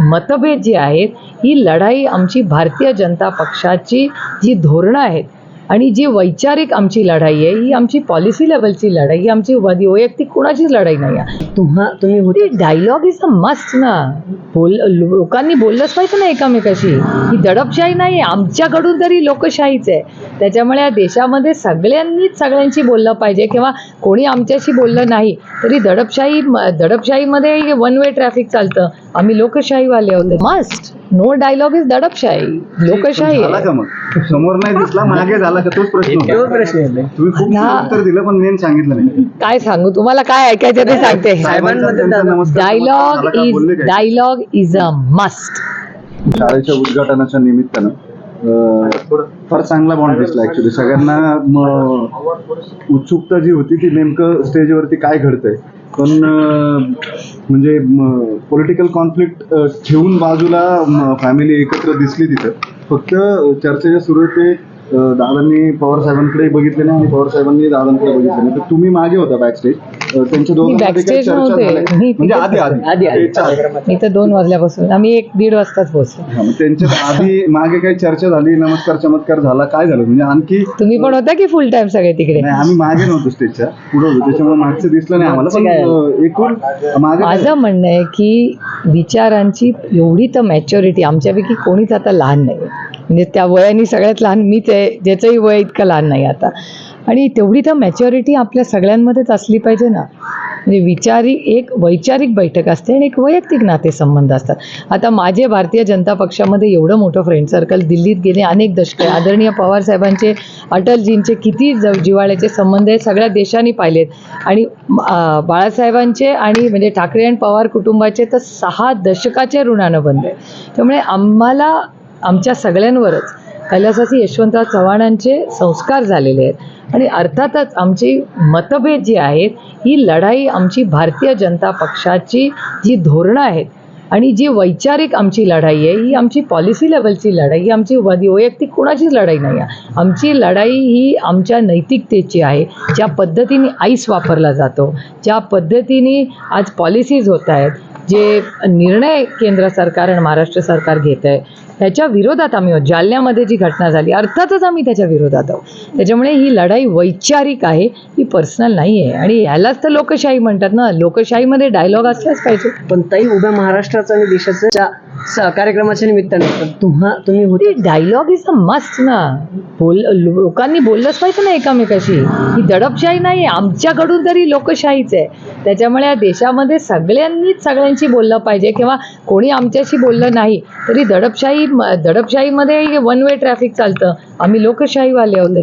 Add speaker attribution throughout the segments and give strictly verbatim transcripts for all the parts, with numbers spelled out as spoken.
Speaker 1: मतभेद जे आहेत, ही लढाई आमची भारतीय जनता पक्षाची जी धोरणं आहेत आणि जी वैचारिक आमची लढाई आहे, ही आमची पॉलिसी लेवलची लढाई, ही आमची वैयक्तिक कुणाचीच लढाई नाही आहे.
Speaker 2: तुम्हा तुम्ही होते
Speaker 1: डायलॉग इज अ मस्ट ना. बोल लोकांनी बोललंच पाहिजे ना एकामेकाशी. ही दडपशाही नाही आहे, आमच्याकडून तरी लोकशाहीच आहे. त्याच्यामुळे या देशामध्ये सगळ्यांनीच सगळ्यांशी बोललं पाहिजे, किंवा कोणी आमच्याशी बोललं नाही तरी दडपशाही दडपशाहीमध्ये वन वे ट्रॅफिक चालतं. आम्ही लोकशाहीवाले होते. मस्ट नो डायलॉग इज दडपशाही. लोकशाही
Speaker 3: झाला का मग समोर नाही दिसला मागे झाला का तोच प्रश्न होता.
Speaker 2: तोच प्रश्न आहे.
Speaker 3: तुम्ही खूप उत्तर दिलं पण मेन सांगितलं नाही.
Speaker 1: काय सांगू तुम्हाला, काय ऐकायचं ते सांगते.
Speaker 3: नमस्कार.
Speaker 1: Dialogue is dialogue is a must.
Speaker 3: शाळेच्या उद्घाटनाच्या निमित्तानं अं, फार चांगला बॉन्ड दिसला ऍक्च्युली. सगळ्यांना म, उत्सुकता जी होती ती नेमकं स्टेजवरती काय घडतंय, पण अं, म्हणजे पॉलिटिकल कॉन्फ्लिक्ट ठेवून बाजूला फॅमिली एकत्र दिसली तिथं. फक्त चर्चेच्या सुरुवात ते अं, दादांनी पवार साहेबांकडे बघितले नाही आणि पवार साहेबांनी दादांकडे बघितले नाही. तर तुम्ही मागे होता बॅकस्टेज. त्यांच्या दोघांमध्ये काही
Speaker 1: backstage
Speaker 3: चर्चा
Speaker 1: नव्हते.
Speaker 3: झाल्या?
Speaker 1: मी
Speaker 3: म्हणजे आधी आधी
Speaker 2: आधी आधी
Speaker 1: मी तर दोन वाजल्यापासून, आम्ही एक दीड वाजताच पोहोचलो.
Speaker 3: हा, मग त्यांच्यात आधी मागे काही चर्चा झाली, नमस्कार चमत्कार झाला, काय झालं म्हणजे आणखी?
Speaker 1: तुम्ही पण होता की फुल टाइम सगळे तिकडे?
Speaker 3: नाही, आम्ही मागे नव्हतो स्टेजच्या, पुढे होतो, त्याच्यामुळे मागचं दिसलं नाही आम्हाला. पण अं, एकूण मागे
Speaker 1: माझं म्हणणं आहे की विचारांची एवढी तर मॅच्युरिटी आमच्यापैकी कोणीच आता लहान नाही. म्हणजे त्या वयाने सगळ्यात लहान मीच आहे, ज्याचंही वय इतकं लहान नाही आता. आणि तेवढी तर मॅच्युरिटी आपल्या सगळ्यांमध्येच असली पाहिजे ना. म्हणजे विचारी एक वैचारिक बैठक असते आणि एक वैयक्तिक नातेसंबंध असतात. आता माझे भारतीय जनता पक्षामध्ये एवढं मोठं फ्रेंड सर्कल, दिल्लीत गेले अनेक दशके, आदरणीय पवारसाहेबांचे अटलजींचे किती ज जिव्हाळ्याचे संबंध आहे सगळ्या देशांनी पाहिलेत. आणि बाळासाहेबांचे आणि म्हणजे ठाकरे आणि पवार कुटुंबाचे तर सहा दशकाचे ऋणानं बंद आहे. त्यामुळे आम्हाला आमच्या सगळ्यांवरच कैलासवासी यशवंतराव चव्हाणांचे संस्कार झालेले आहेत. आणि अर्थातच आमची मतभेद जी आहेत, ही लढाई आमची भारतीय जनता पक्षाची जी धोरणं आहेत आणि जी वैचारिक आमची लढाई आहे, ही आमची पॉलिसी लेवलची लढाई, ही आमची वैयक्तिक कुणाचीच लढाई नाही आहे. आमची लढाई ही आमच्या नैतिकतेची आहे. ज्या पद्धतीने आईस वापरला जातो, ज्या पद्धतीने आज पॉलिसीज होत आहेत, जे निर्णय केंद्र सरकार आणि महाराष्ट्र सरकार घेत आहे, त्याच्या विरोधात आम्ही आहोत. जालन्यामध्ये जी घटना झाली, अर्थातच आम्ही त्याच्या विरोधात आहोत. त्याच्यामुळे ही लढाई वैचारिक आहे, ही पर्सनल नाही आहे. आणि ह्यालाच तर लोकशाही म्हणतात ना. लोकशाहीमध्ये डायलॉग असलाच पाहिजे.
Speaker 2: पण ताई, उभ्या महाराष्ट्राचं आणि देशाच्या कार्यक्रमाच्या निमित्ताने तुम्हा तुम्ही होते.
Speaker 1: डायलॉग इज अ मस्ट ना. बोल लोकांनी बोललंच पाहिजे ना एकामेकाशी. ही दडपशाही नाही आहे, आमच्याकडून तरी लोकशाहीच आहे. त्याच्यामुळे या देशामध्ये सगळ्यांनीच सगळ्यांशी बोललं पाहिजे, किंवा कोणी आमच्याशी बोललं नाही तरी दडपशाही दडपशाहीमध्ये वन वे ट्रॅफिक चालतं. आम्ही लोकशाहीवाले होते.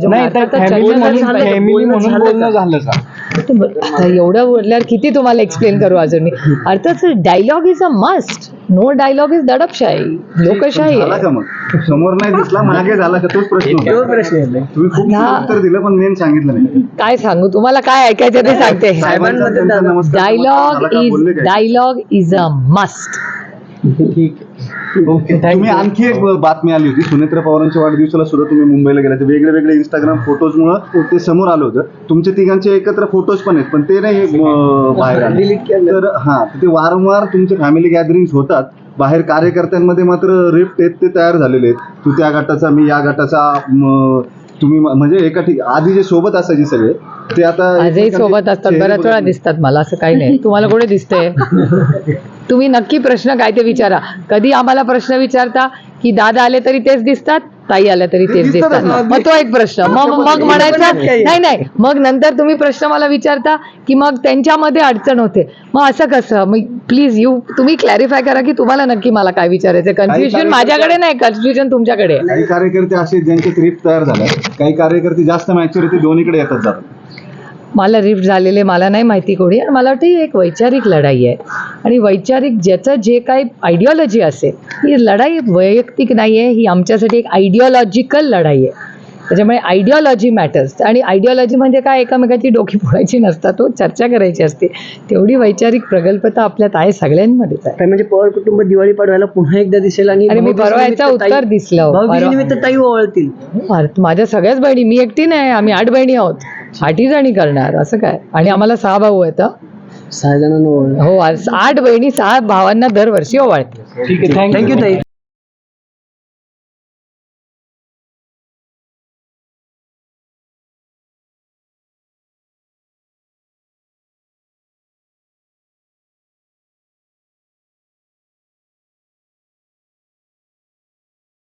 Speaker 1: एवढं बोलल्यावर किती तुम्हाला एक्सप्लेन करू अजून मी. अर्थात dialogue is a must. No dialogue is दडपशाही. लोकशाही
Speaker 3: झाला का मग समोर नाही दिसला मागे झाला का तोच प्रश्न होता.
Speaker 2: तोच प्रश्न आहे.
Speaker 3: तुम्ही खूप उत्तर दिलं पण मेन सांगितलं नाही.
Speaker 1: काय सांगू तुम्हाला, काय ऐकायचं ते सांगते. Dialogue is dialogue is a must.
Speaker 2: ठीक.
Speaker 3: तुम्ही आणखी एक बातमी आली होती, सुनेत्रा पवारांच्या वाढदिवसाला सुद्धा तुम्ही मुंबईला गेला. ते वेगळे वेगळे इंस्टाग्राम फोटोजमुळे ते समोर आलं होतं. तुमचे तिघांचे एकत्र फोटोज पण आहेत, पण ते नाही अं, बाहेर आले. तर हा, ते वारंवार तुमचे फॅमिली गॅदरिंग्स होतात. बाहेर कार्यकर्त्यांमध्ये मात्र रिफ्ट आहेत, ते तयार झालेले आहेत. तू त्या गटाचा, मी या गटाचा. तुम्ही म्हणजे एका ठिक आधी जे सोबत असायचे सगळे ते आता
Speaker 1: आजही सोबत असतात. बऱ्याच वेळा दिसतात मला. असं काही नाही. तुम्हाला कुठे दिसतंय? तुम्ही नक्की प्रश्न काय ते विचारा. कधी आम्हाला प्रश्न विचारता की दादा आले तरी तेच दिसतात, ताई आल्या तरी तेच दिसतात. मग तो एक प्रश्न. मग मग म्हणायचा नाही नाही मग नंतर तुम्ही प्रश्न मला विचारता की मग त्यांच्यामध्ये अडचण होते. मग असं कसं? मग प्लीज यू तुम्ही क्लॅरिफाय करा की तुम्हाला नक्की मला काय विचारायचं. कन्फ्युजन माझ्याकडे नाही, कन्फ्युजन तुमच्याकडे.
Speaker 3: काही कार्यकर्ते असे ज्यांचे रिफ्ट तयार झाले, काही कार्यकर्ते जास्त मॅच्युरिटी दोन्हीकडे येतात जातात.
Speaker 1: मला रिफ्ट झालेले मला नाही माहिती कोणी. आणि मला वाटतं ही एक वैचारिक लढाई आहे. आणि वैचारिक ज्याचं जे काही आयडिओलॉजी असेल, ही लढाई वैयक्तिक नाही आहे, ही आमच्यासाठी एक आयडिओलॉजिकल लढाई आहे. त्याच्यामुळे आयडिओलॉजी मॅटर्स. आणि आयडिओलॉजी म्हणजे काय, एकामेकाची डोकी फोडायची नसतात, तो चर्चा करायची असते. तेवढी वैचारिक प्रगल्भता आपल्यात आहे, सगळ्यांमध्येच आहे.
Speaker 2: म्हणजे पवार कुटुंब दिवाळी पाडवायला पुन्हा एकदा दिसेल. आणि
Speaker 1: आणि मी परवा याचं उत्तर दिसलं.
Speaker 2: निमित्त ताई ओवाळतील.
Speaker 1: माझ्या सगळ्याच बहिणी, मी एकटी नाही, आम्ही आठ बहिणी आहोत. आठी जणी करणार असं काय. आणि आम्हाला सहा भाऊ आहेत.
Speaker 2: सहा जणांना
Speaker 1: हो, आठ बहिणी सहा भावांना दरवर्षी ओवाळते.
Speaker 4: ठीक आहे, थँक्यू
Speaker 2: थँक्यू ताई.